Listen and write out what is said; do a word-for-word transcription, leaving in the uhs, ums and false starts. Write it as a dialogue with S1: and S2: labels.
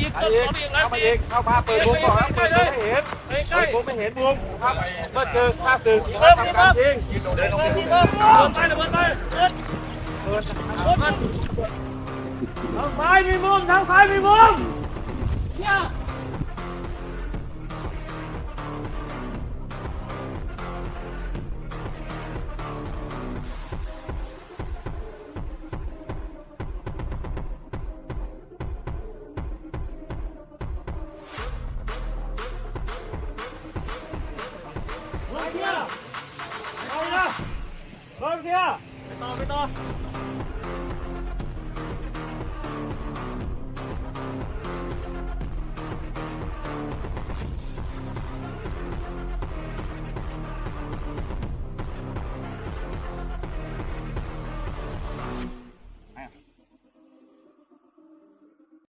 S1: อีก
S2: ไป
S1: ต้น
S2: อีก
S1: อีก
S2: เข้ามาอีกเข้ามาเปิดวงก่อนเปิดวงไม่เห็นเปิดวงไม่เห็นวงครับเมื่อเจอข้าศึกทำการยิงเดินลงไป
S1: เปิดไปเปิดไปเปิด
S2: เปิด
S1: เปิดทางซ้ายมีมุมทางซ้ายมีมุมเนี่ย